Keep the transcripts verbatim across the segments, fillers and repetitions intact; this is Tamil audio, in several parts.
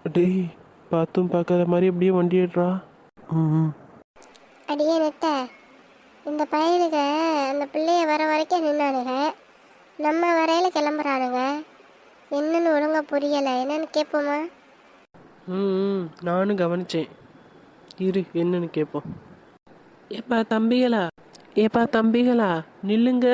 டேய், பார்த்தும் பார்க்காத மாதிரி அப்படியே வண்டி ஏடுறா. ம். அடியே நெட்ட, இந்த பையனுங்க அந்த பிள்ளைய வர வரைக்கும் நின்னானுங்க, நம்ம வரையில கிளம்புறானுங்க. என்னன்னு ஒழுங்கா புரியலை, என்னன்னு கேட்போமா? ம் ம், நானும் கவனிச்சேன். இரு, என்னன்னு கேட்போம். ஏப்பா தம்பிகளா, ஏப்பா தம்பிகளா, நில்லுங்க.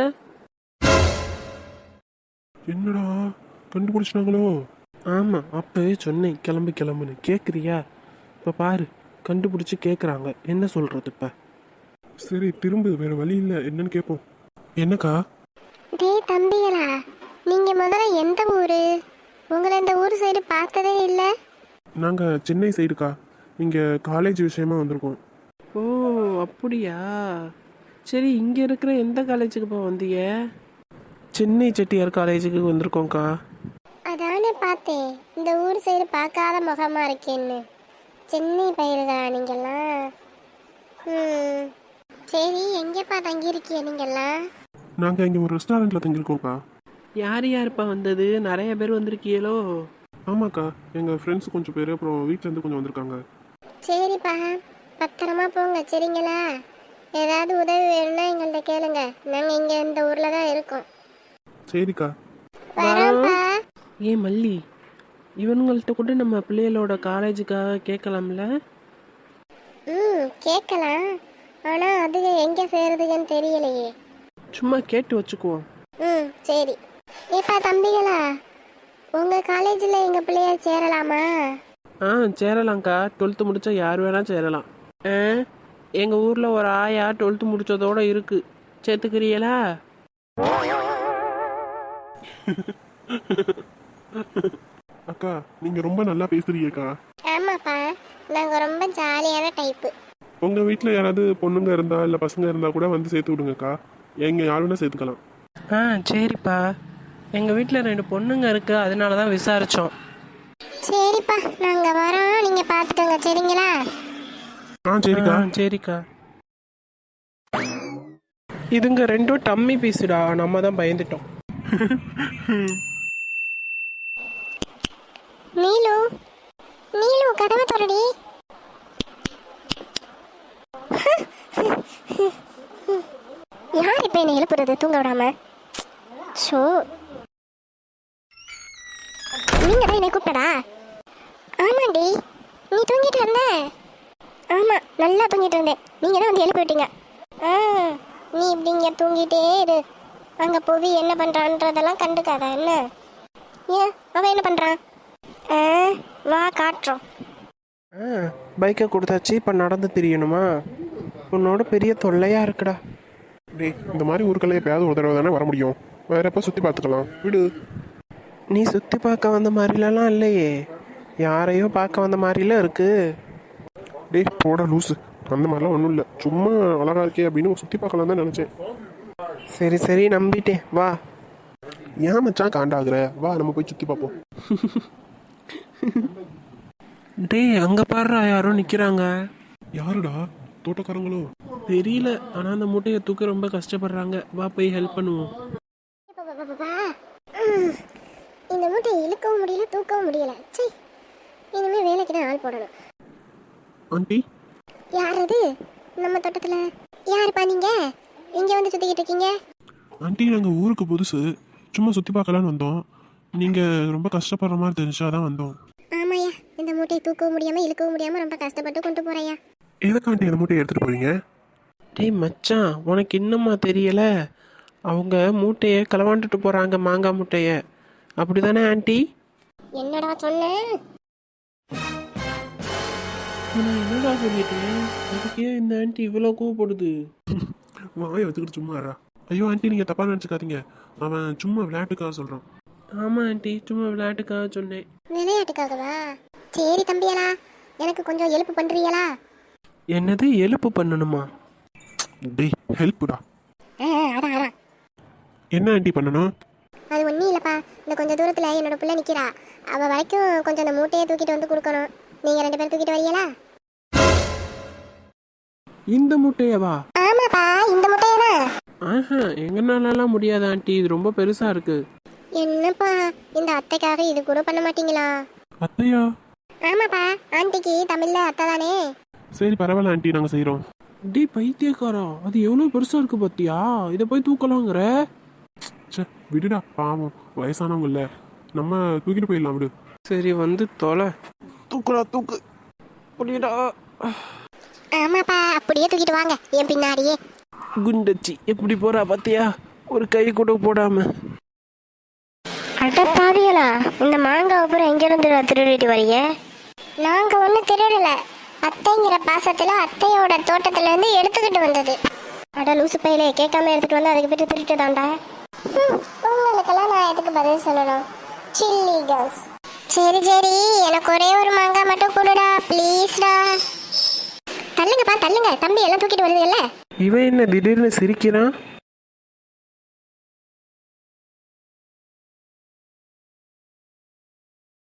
என்னடா கண்டுபிடிச்சிட்டாங்களோ? ஆமாம், அப்பவே சொன்னேன் கிளம்பு கிளம்புன்னு. கேட்குறியா? இப்போ பாரு, கண்டுபிடிச்சி கேட்குறாங்க. என்ன சொல்கிறது இப்போ? சரி, திரும்ப வேற வழி இல்லை, என்னன்னு கேட்போம். என்னக்கா? டேய் தம்பிகளா, நீங்க முதல்ல எந்த ஊரு? உங்களை இந்த ஊர் சைடு பார்த்ததே இல்லை. நாங்கள் சென்னை சைடுக்கா, இங்கே காலேஜ் விஷயமா வந்திருக்கோம். ஓ அப்படியா? சரி, இங்கே இருக்கிற எந்த காலேஜுக்குப்பா வந்தீங்க? சென்னை செட்டியார் காலேஜுக்கு வந்திருக்கோங்க்கா. அதானே பார்த்தேன், இந்த ஊர் சைடு பார்க்காத முகமா இருக்கேன்னு. சென்னை பயிருதா நீங்கெல்லாம்? ம், சரி, எங்கேப்பா தங்கியிருக்கீங்க நீங்கெல்லாம்? நாங்கள் இங்கே ஒரு ரெஸ்டாரண்ட்டில் தங்கியிருக்கோம்க்கா. யார் யாருப்பா வந்தது? நிறைய பேர் வந்திருக்கீங்களோ? ஆமாக்கா, எங்கள் ஃப்ரெண்ட்ஸ் கொஞ்சம் பேர், அப்புறம் வீட்டிலேருந்து கொஞ்சம் வந்திருக்காங்க. சரிப்பா, பத்திரமா போங்க சரிங்களா? ஏதாவது உதவி வேணும்னா எங்கள்கிட்ட கேளுங்க, நாங்கள் இங்கே இந்த ஊரில் தான் இருக்கோம். சரிக்கா. வரோம்ப்பா. ஏன் மல்லி, இவனுங்கள்ட்ட கூட நம்ம பிள்ளைகளோட காலேஜுக்காக கேட்கலாம்ல? ம், கேட்கலாம். ஆனால் அது எங்கே சேருதுன்னு தெரியலையே. சும்மா கேட்டு வச்சுக்குவோம். ம், சரி. ஏப்பா தம்பிகளா, உங்கள் காலேஜில் எங்கள் பிள்ளைய சேரலாமா? ஆ சேரலாம்க்கா. டுவெல்த்து முடித்தா யார் வேணால் சேரலாம். ஆ, எங்கள் ஊரில் ஒரு ஆயா டுவெல்த்து முடித்ததோடு இருக்குது. சேர்த்துக்கிறீங்களா? அக்கா, நீங்கள் ரொம்ப நல்லா பேசுறீங்கக்கா. ஆமாப்பா, நாங்கள் ரொம்ப ஜாலியான டைப்பு. உங்கள் வீட்டில் யாராவது பொண்ணுங்க இருந்தா இல்லை பசங்க இருந்தால் கூட வந்து சேர்த்து விடுங்கக்கா. எங்கள் யாருன்னா சேர்த்துக்கலாம். ஆ சரிப்பா. எங்கள் வீட்டில் ரெண்டு பொண்ணுங்க இருக்குது, அதனால தான் விசாரித்தோம். சரிப்பா, நாங்கள் வரோம், நீங்கள் பார்த்துக்கோங்க சரிங்களா? ஆ சரிக்கா. ஆ சரிக்கா. இதுங்க ரெண்டும் டம்மி பீஸுடா, நம்ம தான் பயந்துட்டோம். நீலு, நீலு கதவை திறடி. யார் இப்போ என்ன எழுப்புறது தூங்க விடாம? ஷோ, நீங்க தான் என்னை கூப்பிட்டடா? ஆமாண்டி, நீ தூங்கிட்டு இருந்த? ஆமா, நல்லா தூங்கிட்டு இருந்தேன், நீங்க தான் வந்து எழுப்பி விட்டீங்க. ஆ, நீ இப்படி இங்க தூங்கிட்டே இரு, அங்க போவி என்ன பண்றான்றதெல்லாம் கண்டுக்காத என்ன? ஏன் அவன் என்ன பண்றான்? ஆ, வா காட்டுறோம். ஆ பைக்கை கொடுத்தாச்சு, இப்போ நடந்து தெரியணுமா? உன்னோட பெரிய தொல்லையாக இருக்குடா. டேய், இந்த மாதிரி ஊருக்குள்ள எப்பயாவது ஒரு தடவை தானே வர முடியும். வேற எப்போ சுற்றி பார்த்துக்கலாம் விடு. நீ சுற்றி பார்க்க வந்த மாதிரிலாம் இல்லையே, யாரையோ பார்க்க வந்த மாதிரிலாம் இருக்கு. டேய் போடா லூஸு, அந்த மாதிரிலாம் ஒன்றும் இல்லை, சும்மா அழகா இருக்கே அப்படின்னு சுற்றி பார்க்கலாம் தான் நினச்சேன். சரி சரி, நம்பிட்டேன், வா. ஏன் மச்சான் காண்டாகிற? வா நம்ம போய் சுற்றி பார்ப்போம். டேய், அங்கே பாடுறா, யாரோ நிற்கிறாங்க. யாருடா? தோட்டக்காரங்களோ? தெரியல, ஆனால் அந்த மூட்டையை தூக்க ரொம்ப கஷ்டப்படுறாங்க. வா போய் ஹெல்ப் பண்ணுவோம். இந்த மூட்டையை இழுக்கவும் முடியல, தூக்கவும் முடியல. சரி, இனிமே வேலைக்கு தான் ஆள் போடணும். ஆண்டி, யார் அது? நம்ம தோட்டத்தில் யாருப்பா நீங்க? இங்க வந்து சுத்திக்கிட்டு இருக்கீங்க? ஆண்டி நாங்கள் ஊருக்கு புதுசு, சும்மா சுற்றி பார்க்கலான்னு வந்தோம். நீங்கள் ரொம்ப கஷ்டப்படுற மாதிரி தெரிஞ்சாதான் வந்தோம். ஆமாய்யா, இந்த மூட்டையை தூக்கவும் முடியாம இழுக்கவும் முடியாம ரொம்ப கஷ்டப்பட்டு கொண்டு போறையா. எதுக்காண்டி அந்த மூட்டையை எடுத்துகிட்டு போறீங்க? டேய் மச்சான், உனக்கு இன்னுமா தெரியல? அவங்க மூட்டையை களவாண்டுட்டு போகிறாங்க, மாங்காய் மூட்டையை. அப்படிதானே ஆண்டி? என்னடா சொன்ன? நான் என்னடா சொல்லிட்டேன்? அதுக்கே இந்த ஆண்டி இவ்வளோ கோவப்படுது. வாயை வச்சுக்கிட்டு சும்மா இருடா. ஐயோ ஆண்டி, நீங்கள் தப்பாக நினச்சிக்காதீங்க, அவன் சும்மா விளையாட்டுக்காக சொல்கிறான். ஆமாம் ஆண்டி, சும்மா விளையாட்டுக்காக சொன்னேன். விளையாட்டுக்காகவா? சரி தம்பியலா, எனக்கு கொஞ்சம் ஹெல்ப் பண்றீங்களா? என்னது எழுப்பு பண்ணணுமா? டேய் ஹெல்ப்புடா. ஆ, அதான் அதான். என்ன ஆண்டி பண்ணணும்? அது ஒன்றும் இல்லைப்பா, இந்த கொஞ்சம் தூரத்தில் என்னோட பிள்ளை நிற்கிறா, அவள் வரைக்கும் கொஞ்சம் அந்த மூட்டையை தூக்கிட்டு வந்து கொடுக்கணும். நீங்கள் ரெண்டு பேரும் தூக்கிட்டு வரீங்களா? இந்த மூட்டையவா? ஆமாப்பா, இந்த மூட்டையை தான். ஆஹா, எங்கனாலலாம் முடியாது ஆண்டி, இது ரொம்ப பெருசாக இருக்கு. என்னப்பா, இந்த அத்தைக்காக இது கூட பண்ண மாட்டீங்களா? அத்தையா? ஆமாப்பா, ஆண்டிக்கு தமிழ்ல அத்தை தானே. சரி பரவாயில்ல ஆண்டி, நாங்கள் செய்கிறோம். டே பைத்தியக்காரா, அது எவ்வளோ பெருசாக இருக்கு பார்த்தியா? இதை போய் தூக்கலாங்கிற? சே விடுடா, பாவம் வயசானவங்க இல்லை, நம்ம தூக்கிட்டு போயிடலாம் விடு. சரி வந்து தொலை. தூக்குடா தூக்கு. புரியுடா. ஆமாப்பா, அப்படியே தூக்கிட்டு வாங்க என் பின்னாடியே. குண்டச்சி எப்படி போறா பார்த்தியா? ஒரு கை கூட போடாம. அட பாவிகளா, இந்த மாங்காய் அப்புறம் எங்கிருந்து திருடிட்டு வரீங்க? நாங்க ஒன்றும் திருடல, அத்தைங்கிற பாசத்துல அத்தையோட தோட்டத்துல இருந்து எடுத்துக்கிட்டு வந்தது. அட லூசு பையிலே, கேட்காம எடுத்துட்டு வந்து அதுக்கு போயிட்டு திருட்டு தாண்டா. உங்களுக்கெல்லாம் நான் எதுக்கு பதில் சொல்லணும்? Silly girls. சரி சரி, எனக்கு ஒரே ஒரு மாங்காய் மட்டும் கொடுடா ப்ளீஸ்டா. தள்ளுங்கப்பா தள்ளுங்க, தம்பி எல்லாம் தூக்கிட்டு வருதுல்ல. இவன் என்ன திடீர்னு சிரிக்கிறான்?